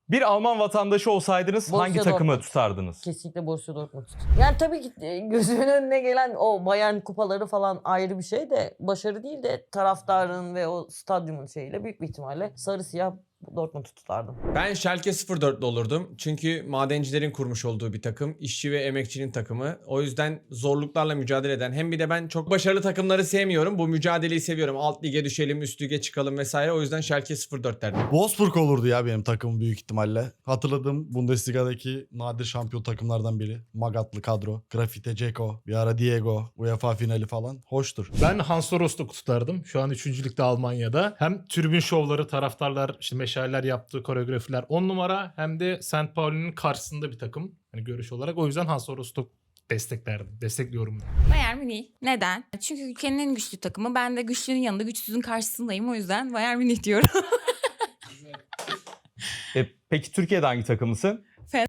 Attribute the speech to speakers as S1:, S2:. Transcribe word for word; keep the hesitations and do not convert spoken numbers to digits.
S1: Bir Alman vatandaşı olsaydınız
S2: Borussia
S1: hangi takımı
S2: Dortmund.
S1: tutardınız?
S2: Kesinlikle Borussia Dortmund. Yani tabii ki e, gözümün önüne gelen o Bayern kupaları falan ayrı bir şey de başarı değil de taraftarın ve o stadyumun şeyiyle büyük bir ihtimalle sarı siyah Dortmund'u tutardım.
S3: Ben Schalke sıfır dörtlü olurdum. Çünkü madencilerin kurmuş olduğu bir takım. İşçi ve emekçinin takımı. O yüzden zorluklarla mücadele eden. Hem bir de ben çok başarılı takımları sevmiyorum. Bu mücadeleyi seviyorum. Alt lige düşelim, üst lige çıkalım vesaire. O yüzden Schalke sıfır dört derdim.
S4: Wolfsburg olurdu ya benim takımım büyük ihtimalle. Hatırladığım Bundesliga'daki nadir şampiyon takımlardan biri. Magatlı kadro. Grafite, Ceko, bir ara Diego, UEFA finali falan. Hoştur.
S5: Ben Hansa Rostock tutardım. Şu an üçüncü ligde Almanya'da. Hem tribün şovları, taraftarlar, işte meşaleler yaptığı koreografiler on numara. Hem de Saint Pauli'nin karşısında bir takım. Hani görüş olarak. O yüzden Hansa Rostock desteklerdim. Destekliyorum.
S6: Bayern Münih. Neden? Çünkü ülkenin en güçlü takımı. Ben de güçlünün yanında güçsüzün karşısındayım. O yüzden Bayern Münih diyorum.
S1: E, peki Türkiye'de hangi takımısın?